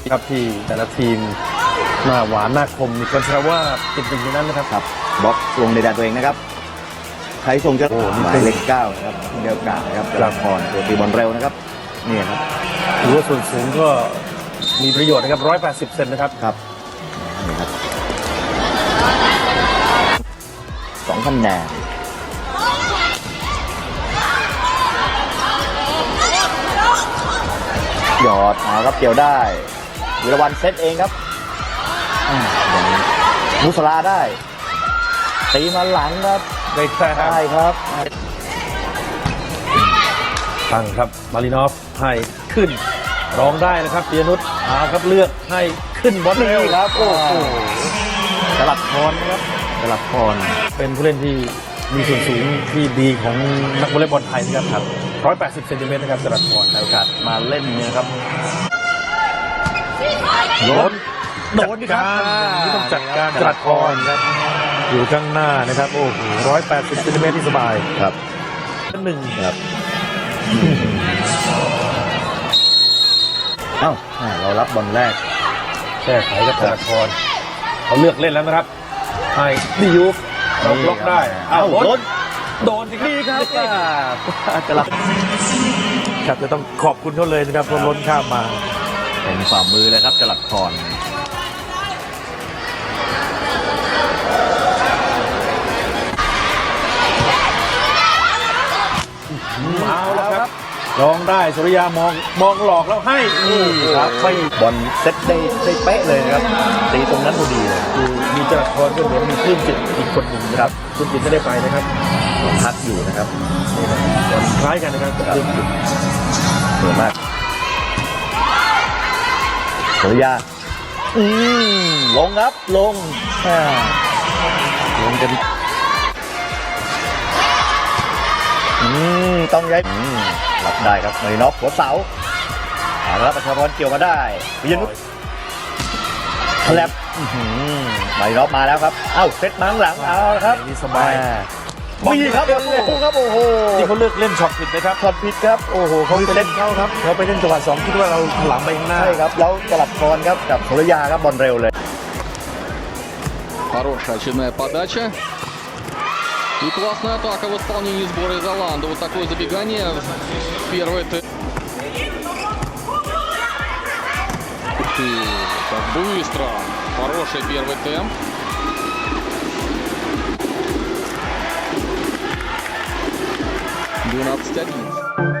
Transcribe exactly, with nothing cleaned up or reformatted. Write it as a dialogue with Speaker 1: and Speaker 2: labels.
Speaker 1: ครับที่แต่ละทีมหน้าหวานหน้าคมมีคนแซวว่าติดหนึ่งในนั้นนะครับ
Speaker 2: ครับบล็อกลงในแดนตัวเองนะครับใช้ทรงจะโอ้หมายเลขเก้านะครับเดียวกันนะครับจราพรตัวตีบอลเร็วนะครับนี่ครับ
Speaker 1: ถือว่าส่วนสูงก็มีประโยชน์นะครับร้อยแปดสิบเซนนะครับ
Speaker 2: ครับนี่ครับสองคะแนนหยอดเอาครับเกี่ยวได้วิรวันเซตเองครับมุสลาได้ตีมาหลังครับ
Speaker 1: ได้แต้ม
Speaker 2: ได้ครับ
Speaker 1: ตั้งครับมารินอฟให้ขึ้นร้องได้นะครับปียนุชอาครับเลือกให้ขึ้นบอลเร็ว
Speaker 2: ครับโอ้โหจรัสพรครับจรัสพร
Speaker 1: เป็นผู้เล่นที่มีส่วนสูงที่ดีของนักวอลเลย์บอลไทยนะครับครับร้อยแปดสิบเซนติเมตรนะครับจรัสพร
Speaker 2: โอกาสมาเล่นเนี่ยครับโดน
Speaker 1: โดนการนี่ต้องจัดการจรัสพรครับอยู่ข้างหน้านะครับโอ้โหร้อยแปดสิบเซนติเมตรที่สบาย
Speaker 2: ครับ
Speaker 1: หนึ่ง
Speaker 2: ครับเอ้าเรารับบอลแรก
Speaker 1: แก้ไขกับจรัสพรเขาเลือกเล่นแล้วนะครับให้ดิยูฟเราบล็อกได้อ้าวโดนโดนสิ
Speaker 2: ดีครับจรัส
Speaker 1: ครับจะต้องขอบคุณเขาเลยนะครับเพราะล้นข้ามมา
Speaker 2: เป็นฝ่ามือเลยครับจรัสพร
Speaker 1: เอาแล้วครับลองได้สุริยามองมองหลอกแล้วให้นี่ครับไม่
Speaker 2: บอลเซตได้ได้เป๊ะเลยนะครับตีตรงนั้นพอดีเลย
Speaker 1: คือมีจรัสพรก็เหมือนมีคลื่นจิตอีกคนหนึ่งนะครับคลื่นจิตไม่ได้ไปนะครับ
Speaker 2: พักอยู่นะครับ
Speaker 1: คล้ายกันนะครับคลื่นจิต
Speaker 2: สวยมากสุริยาอืมลงครับลงลงกันอืมต้องย้ายรับได้ครับมารินอฟหัวเสาเอาละประชาพรเกี่ยวมาได้ปิยนุชแคลบมารินอฟมาแล้วครับเอ้าเซตมาข้างหลังเอาครับ
Speaker 1: นี่สบาย
Speaker 2: มีครับโอ้โหครับโอ้โห
Speaker 1: นี่เขาเลือกเล่นช็อตผิดนะครับ
Speaker 2: ช็อตผิดครับโอ้โหเขา
Speaker 1: ไปเล่นเขาครับเขาไปเล่นจังหวะสองคิดว่าเราหลังไปข้างหน้า
Speaker 2: ใช่ครับแล้วจรัสพรครับกับสุริยาครับบอลเร็วเลย
Speaker 3: Хорошая очередная подача. И классная атака в исполнении сбора из Оланда. Вот такое забегание в первый темп. Ух ты, как быстро. Хороший первый темп. двенадцать одиннадцать.